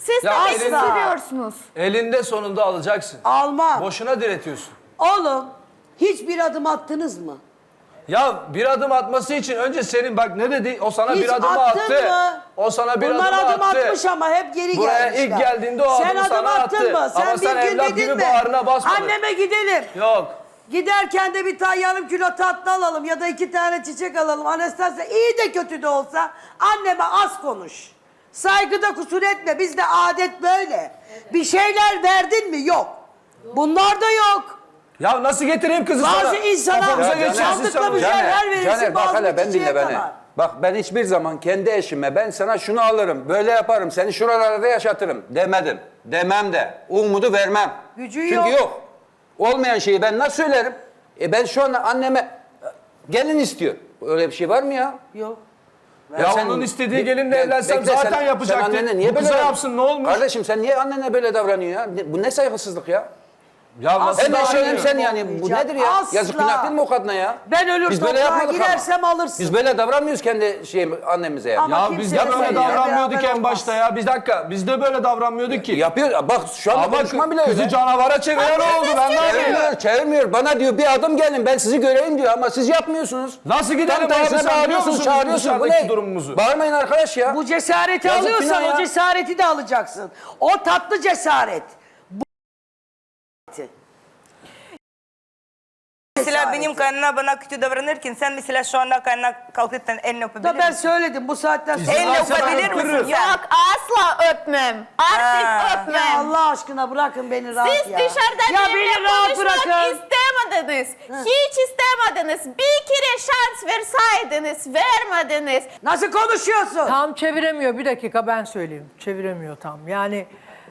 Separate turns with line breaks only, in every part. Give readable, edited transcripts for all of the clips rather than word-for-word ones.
Siz
Ya
tabii
elinde-
seviyorsunuz.
Elinde sonunda alacaksın.
Almam.
Boşuna diretiyorsun.
Oğlum hiçbir adım attınız mı?
Ya bir adım atması için önce senin bak ne dedi? O sana
Hiç
bir adım
attın
attı.
mı?
O sana bir
Bunlar
adım
adım
attı.
atmış ama hep geri
Buraya
gelmişler.
ilk geldiğinde o
sen
adımı
adım
sana
attın
attı.
mı? Sen
Ama
bir
sen
gün
evlat
dedin
gibi
mi?
bağrına basmadın.
Anneme gidelim.
Yok.
Giderken de bir tane yarım kilo tatlı alalım ya da 2 tane çiçek alalım. Anastasia iyi de kötü de olsa anneme az konuş. Saygıda kusur etme. Bizde adet böyle. Bir şeyler verdin mi? Yok. Bunlar da yok.
Ya nasıl getireyim kızı sana?
Bazı insana
Kafamıza geçersin
sandıkla
sen.
bir şeyler verirsin.
Caner bak
bazı
hele ben
çiçeğe
dinle beni.
kadar.
Bak ben hiçbir zaman kendi eşime ben sana şunu alırım, böyle yaparım, seni şuralarda yaşatırım demedim. Demem de. Umudu vermem.
Gücü
Çünkü
yok.
yok. Olmayan şeyi ben nasıl söylerim? Ben şu anda anneme gelin istiyor. Öyle bir şey var mı ya?
Yok.
Ya
sen-
onun istediği gelinle evlensem
Bekle,
zaten
sen
yapacaktı.
annene niye
Bu
böyle
kıza
davran-
yapsın ne olmuş?
Kardeşim sen niye annene böyle davranıyor ya? Bu ne saygısızlık ya?
Ya nasıl
Hem eşin hem
davranıyor?
sen yani. Bu nedir ya?
Asla.
Yazık günah değil mi o kadına ya?
Ben ölür
Biz böyle
toprağa
yapmadık ama.
girersem alırsın.
Biz böyle davranmıyoruz kendi annemize yani.
Ama
Ya
kimse
biz
de
de böyle
seninle
davranmıyorduk
beraber
en
olmaz.
başta ya. Bir dakika. Biz de böyle davranmıyorduk ki.
Yapıyor. Bak şu anda
Ama
konuşma bile
kızı
öyle.
canavara çeviren oldu. Ben ne yapayım?
Çevirmiyor. Bana diyor bir adım gelin ben sizi göreyim diyor ama siz yapmıyorsunuz.
Nasıl gidelim?
Tam tersine
Sen biliyor
bağırıyorsun,
musun
çağırıyorsun. Bu
dışarıdaki
ne?
durumumuzu?
Bağırmayın arkadaş ya.
Bu cesareti
Yazık
alıyorsan
günah ya.
o cesareti de alacaksın. O tatlı cesaret.
Mesela benim kaynana bana kötü davranırken sen mesela şu anda kaynana kalkıp elini öpebilir
Da ben
misin?
söyledim bu saatten sonra.
Elini
Zaten
öpebilir
öpürüm.
misin sen?
Yok asla öpmem. Artık
Ha.
öpmem.
Ya Allah aşkına bırakın beni rahat
Siz
ya.
dışarıda
ya
benimle
beni rahat
konuşmak
bırakın.
istemediniz. Hiç istemediniz. Bir kere şans verseydiniz, vermediniz.
Nasıl konuşuyorsun?
Tam çeviremiyor. Bir dakika ben söyleyeyim. Çeviremiyor tam. Yani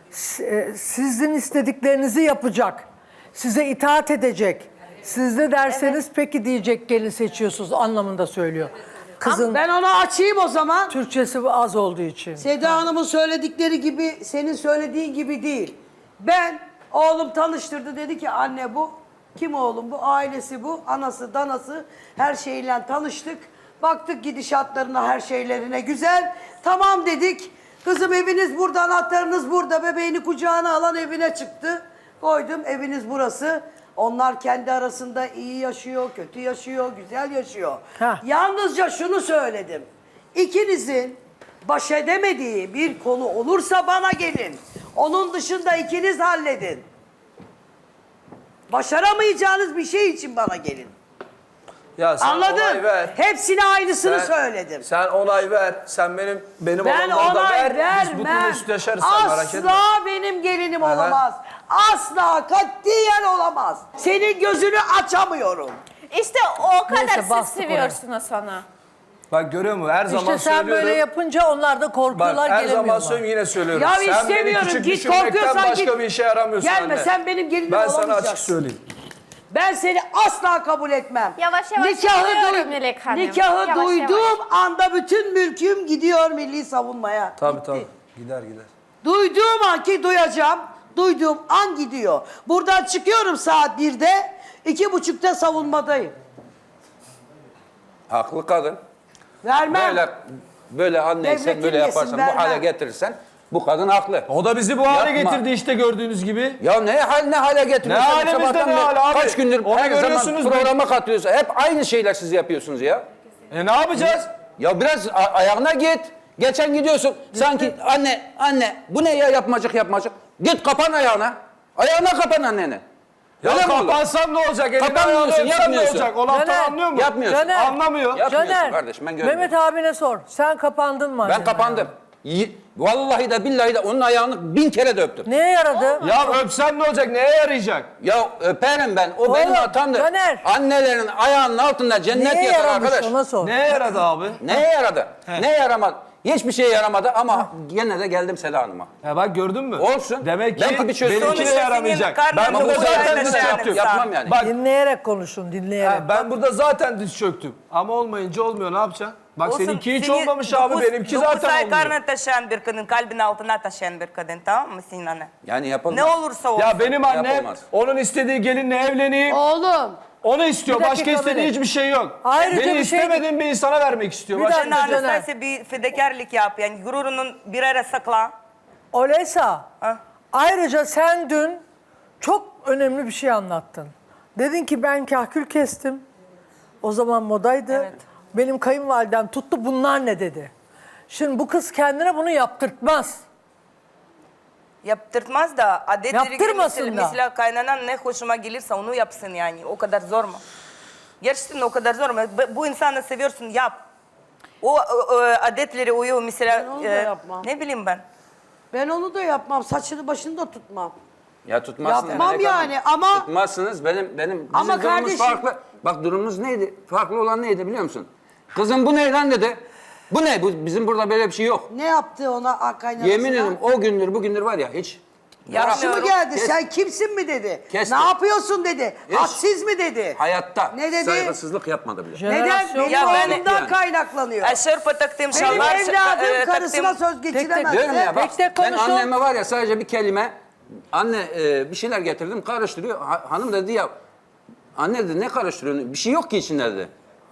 sizin istediklerinizi yapacak. Size itaat edecek. Siz de derseniz peki diyecek gelin seçiyorsunuz anlamında söylüyor. Kızın
Ben onu açayım o zaman.
Türkçesi az olduğu için.
Seda Hanım'ın söyledikleri gibi, senin söylediğin gibi değil. Ben, oğlum tanıştırdı dedi ki anne bu, kim oğlum bu, ailesi bu, anası, danası, her şeyle tanıştık. Baktık gidişatlarına, her şeylerine güzel. Tamam dedik. Kızım eviniz burada, anahtarınız burada. Bebeğini kucağına alan evine çıktı. Koydum eviniz burası. Onlar kendi arasında iyi yaşıyor, kötü yaşıyor, güzel yaşıyor.
Heh.
Yalnızca şunu söyledim. İkinizin baş edemediği bir konu olursa bana gelin. Onun dışında ikiniz halledin. Başaramayacağınız bir şey için bana gelin.
Ya sen onay
Anladın?
ver.
Hepsine aynısını
Sen-
söyledim.
Sen onay ver. Sen benim
Ben
olanları da
onay
ver. Biz bu konuyu
vermem.
üstleşeriz sen merak etme.
Asla benim gelinim olamaz. Asla katiyen olamaz. Senin gözünü açamıyorum.
İşte o kadar
Neyse,
siz
bastık
seviyorsunuz onu.
Bak görüyor musun? Her zaman
İşte sen
söylüyorum.
böyle yapınca onlar da
Bak
korkuyorlar
her
gelemiyorlar.
zaman söylüyorum yine söylüyorum.
Ya
sen beni
istemiyorum.
küçük
Git
düşürmekten
korkuyorsan
başka
git.
bir işe yaramıyorsun
Gelme,
anne.
sen benim gelinim
Ben sana
olamayacaksın.
açık söyleyeyim.
Ben seni asla kabul etmem.
Yavaş yavaş geliyorum Melek Hanım.
Nikahı
Yavaş
duyduğum anda bütün mülküm gidiyor milli savunmaya.
Tabii
Gitti.
tabii. Gider gider.
Duyduğum an ki duyacağım. Duyduğum an gidiyor. Buradan çıkıyorum saat 1'de. 2.30'da savunmadayım.
Haklı kadın.
Vermem.
Böyle anneysen
Devletin
böyle
yesin,
yaparsan
vermem.
bu hale getirirsen bu kadın haklı.
O da bizi bu hale
Yapma.
getirdi işte gördüğünüz gibi.
Ya ne hale getiriyorsun?
Ne halimizde
Sabahtan
ne
beri
hal abi?
Kaç gündür
Onu
her zaman
görüyorsunuz
programa katıyorsun. Hep aynı şeyler siz yapıyorsunuz ya.
Ne yapacağız?
Ya biraz ayağına git. Geçen gidiyorsun. Sanki anne bu ne ya yapmacık. Git kapan ayağına. Ayağına kapan anneni.
Ya
Öyle mi olur?
kapansam ne olacak? Elini
Kapanmıyorsun,
ayağını öpsem ne
yapmıyorsun.
olacak? O laftan
Caner,
anlıyor mu?
Yapmıyorsun.
Caner,
Anlamıyor.
Yapmıyorsun
Caner,
kardeşim, ben görmüyorum.
Mehmet abine sor. Sen kapandın mı?
Ben
annene?
kapandım. Vallahi de billahi de onun ayağını 1000 kere de öptüm.
Neye yaradı?
Ya öpsem ne olacak? Neye yarayacak?
Ya öperim ben. O benim
Oğlum,
hatamdır.
Caner.
Annelerin ayağının altında cennet
Neye
yatar
yaramış
arkadaş.
ona sor.
Neye yaradı abi?
Neye yaradı? Ne yaramadı? Hiçbir şeye yaramadı ama gene de geldim Seda Hanım'a.
Ya bak gördün mü?
Olsun.
Demek ki
Belki bir çözüm
benimkine
olur.
Sonuçta
yaramayacak.
senin
Ben
karnın
burada
doyuracak
zaten
yani
diz
sen.
çöktüm.
Yapmam yani.
Bak
Dinleyerek konuşun, dinleyerek.
ben burada zaten diz çöktüm. Ama olmayınca olmuyor ne yapacaksın? Bak
Olsun,
seninki hiç
seni
olmamış abi. Benimki
dokuz
zaten
ay
olmuyor.
karnına taşıyan bir kadın, kalbin altına taşıyan bir kadın, tamam mı senin anne?
Yani yapılmaz.
Ne olursa olsun.
Ya benim annem
Yapılmaz.
onun istediği gelinle evleneyim.
Oğlum.
Onu istiyor.
Bir dakika
Başka istediği
Melek.
hiçbir şey yok.
Ayrıca
Beni
bir şey-
istemediğim bir insana vermek istiyor.
Bir
Başka
dakika.
Sen
Caner.
Anastasia bir fedakarlık yap, yani gururunun bir ara sakla.
Oleysa,
Ha?
ayrıca sen dün çok önemli bir şey anlattın. Dedin ki ben kahkül kestim. O zaman modaydı.
Evet.
Benim kayınvalidem tuttu, bunlar ne dedi. Şimdi bu kız kendine bunu yaptırtmaz.
Yaptırtmaz da adetleri
Yaptırmasın da.
mesela kaynanan ne hoşuma gelirse onu yapsın yani. O kadar zor mu? Gerçekten o kadar zor mu? Bu insanı seviyorsun, yap. O adetleri uyuyor mesela.
Ben onu da yapmam.
Ne bileyim ben.
Ben onu da yapmam. Saçını başını da tutmam.
Ya tutmazsınız.
Yapmam
Melek Hanım.
yani ama-
Tutmazsınız. Bizim
Ama
durumumuz
kardeşim-
farklı. Bak durumumuz neydi? Farklı olan neydi biliyor musun? Kızım bu ne lan dedi. Bu ne? Bizim burada böyle bir şey yok.
Ne yaptı ona kaynanasına?
Yemin ederim o gündür bugündür var ya hiç.
Yaşı mı geldi?
Kes.
Sen kimsin mi dedi.
Kesti.
Ne yapıyorsun dedi.
Hiç.
Hadsiz mi dedi.
Hayatta
Ne dedi?
saygısızlık yapmadı bile.
Neden?
Jenerasyon-
Benim
Ya ben-
oğlumdan
Yani.
kaynaklanıyor.
Şörpe taktığım
Benim
şalvar.
evladım karısına
taktığım-
söz geçiremez.
Diyorum ya bak
Tek tek
ben
konuşun.
anneme var ya sadece bir kelime anne bir şeyler getirdim karıştırıyor. Hanım dedi ya anne dedi ne karıştırıyorsun? Bir şey yok ki içinde dedi.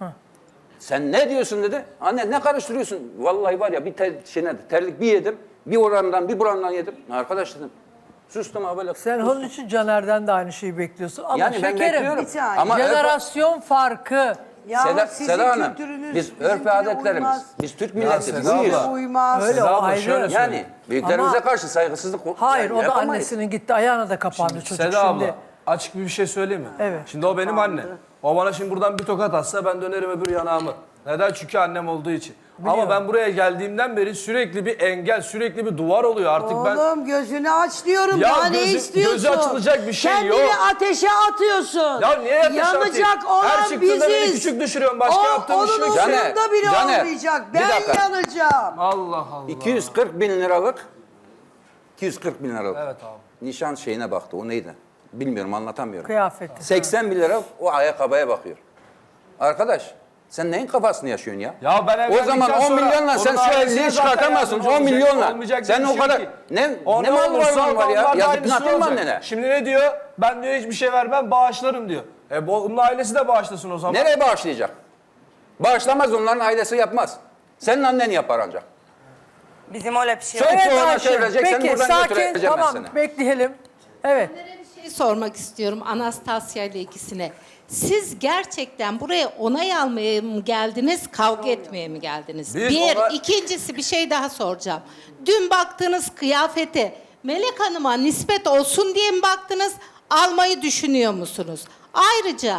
Sen ne diyorsun dedi. Anne ne karıştırıyorsun? Vallahi var ya bir terlik bir yedim. Bir oramdan bir buramdan yedim. Arkadaş dedim. Sustum ha böyle.
Sen onun için Caner'den de aynı şeyi bekliyorsun. Ama
yani ben
şekerim,
bekliyorum.
bir saniye.
Ama
jenerasyon farkı.
Yahu
Seda,
sizin
Seda Hanım,
kültürünüz
biz örf
bizimkine
ve adetlerimiz,
uymaz.
biz Türk milletiz,
Seda
buyuz.
abla.
Uymaz.
Öyle o
Seda abla,
ayrı.
şöyle söyle.
Yani büyüklerimize
Ama-
karşı saygısızlık
Hayır,
yani
o da
yapamayız.
annesinin gitti ayağına da kapandı çocuk
Seda
şimdi.
abla açık bir şey söyleyeyim mi?
Evet.
Şimdi o benim annem. O bana şimdi buradan bir tokat atsa ben dönerim öbür yanağımı. Neden? Çünkü annem olduğu için. Ama ben buraya geldiğimden beri sürekli bir engel, sürekli bir duvar oluyor. Artık ben
Oğlum gözünü aç diyorum.
Ya
Daha ne
gözü-
istiyorsun?
gözü açılacak bir şey
Kendini
yok.
ateşe atıyorsun.
Ya niye ateşe
Yanacak
atayım?
olan
Her çıktığında beni
biziz.
küçük düşürüyorsun. Başka yaptığım bir şey
Onun
yok.
Caner,
umurunda bile
Caner,
olmayacak.
bir
Ben
dakika.
yanacağım.
Allah Allah.
240 bin liralık 240 bin liralık
Evet abi.
nişan şeyine baktı. O neydi? Bilmiyorum anlatamıyorum.
Kıyafeti.
80 bin lira o ayakkabıya bakıyor. Arkadaş sen neyin kafasını yaşıyorsun ya?
Ya ben
O
evlendikten
zaman 10
sonra
milyonla sen
onun
şu
ailesine
evliliği
zaten
çıkartamazsın.
yardımcı
10
olacak,
milyonla.
olmayacak
Sen
bir
o
şey
kadar
yok ki.
ne
O
mal
olursa
varlığın var ya?
onlar da
Yazık
aynısı
günah değil mi
olacak.
annene?
Şimdi ne diyor? Ben diyor hiçbir şey vermem bağışlarım diyor. Onun ailesi de bağışlasın o zaman.
Nereye bağışlayacak? Bağışlamaz onların ailesi yapmaz. Senin annen yapar ancak.
Bizim öyle bir şey
Söyle.
yok.
Evet
ona
Ayşe,
çevirecek, seni
peki
buradan
sakin,
götüreceğim ben
tamam
seni.
bekleyelim. Evet.
Bir şey sormak istiyorum Anastasya ile ikisine. Siz gerçekten buraya onay almaya mı geldiniz, kavga etmeye mi geldiniz?
Biz
Bir,
ona-
ikincisi bir şey daha soracağım. Dün baktığınız kıyafete Melek Hanım'a nispet olsun diye mi baktınız, almayı düşünüyor musunuz? Ayrıca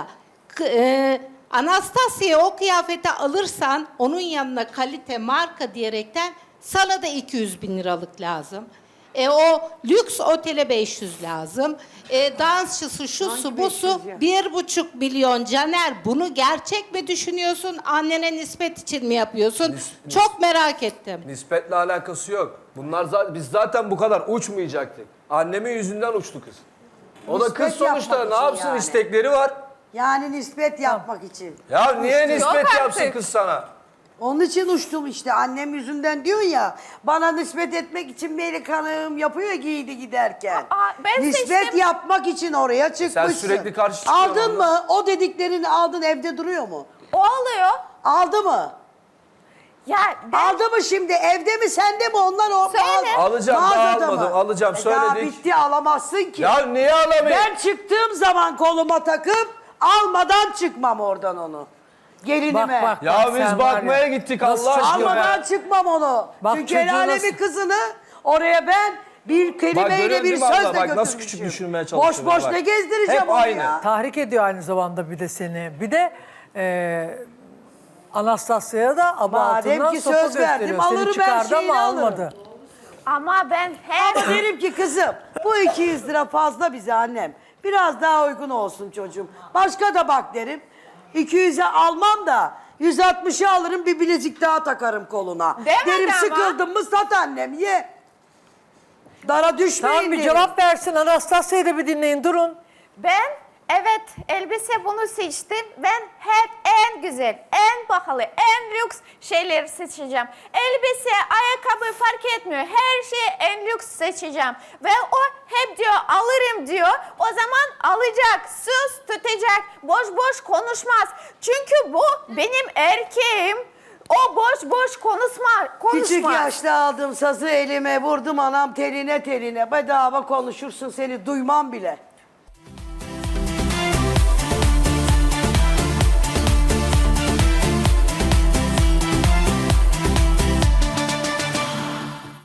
Anastasya'ya o kıyafeti alırsan onun yanına kalite, marka diyerekten sana da 200 bin liralık lazım. O lüks otele 500 lazım. Dansçısı, şusu, busu 1,5 milyon. Caner bunu gerçek mi düşünüyorsun? Annene nispet için mi yapıyorsun? Çok merak ettim.
Nispetle alakası yok. Biz zaten bu kadar uçmayacaktık. Annemin yüzünden uçtu kız. O da
Nispet
kız sonuçta
yapmak
ne
için
yapsın
yani.
istekleri var.
Yani nispet yapmak için.
Ya niye nispet
Yok
yapsın
artık.
kız sana?
Onun için uçtum işte. Annem yüzünden diyorsun ya. Bana nispet etmek için Melek Hanım yapıyor ya giydi giderken.
ben
nispet
seçtim.
yapmak için oraya çıkmışsın.
sürekli karşı çıkıyorsun
Aldın
orada.
mı? O dediklerini aldın, evde duruyor mu?
O oluyor.
Aldı mı?
Ya ben
Aldı mı şimdi? Evde mi, sende mi? Onlar o
Söyle.
Alacağım, daha
mağazada
almadım,
mı?
alacağım,
Daha
söyledik.
bitti, alamazsın ki.
Ya niye alamayayım?
Ben çıktığım zaman koluma takıp almadan çıkmam oradan onu. Gelinime.
Bak, bak.
Ya
sen
biz
var
bakmaya
ya,
gittik
nasıl
Allah aşkına
Almadan
ya.
çıkmam onu.
Bak
Çünkü el
çocuğu
alemin
nasıl-
kızını oraya ben bir
Bak
kelimeyle
görüyorsun
bir
değil mi abla?
sözle
Bak nasıl küçük
götürmüşüm.
düşürmeye
Boş
çalışıyorsun.
boş
bak.
ne gezdireceğim
Hep
onu
aynı.
ya.
Tahrik ediyor aynı zamanda bir de seni. Bir de Anastasya'ya da
Madem
abartından
ki
sopa
söz verdim,
gösteriyor.
alırım,
Seni
ben
çıkardı
şeyini
ama
alırım.
almadı.
ama ben
Ama derim ki kızım bu 200 lira fazla bize annem. Biraz daha uygun olsun çocuğum. Başka da bak derim. 200'e almam da 160'ı alırım, bir bilezik daha takarım koluna.
Demedi
Derim
ama.
sıkıldım mı sat annem, ye. Dara düşmeyin
Tamam bir
derim.
cevap versin Anastasya'yı da bir dinleyin durun.
Ben evet elbise bunu seçtim. Ben hep en güzel, en pahalı, en lüks şeyleri seçeceğim. Elbise, ayakkabı fark etmiyor. Her şeyi en lüks seçeceğim. Ve o hep diyor alırım diyor. O zaman alacak, söz tutacak, boş boş konuşmaz. Çünkü bu benim erkeğim. O boş boş konuşma.
Küçük yaşta aldım sazı elime, vurdum anam teline teline. Bedava konuşursun, seni duymam bile.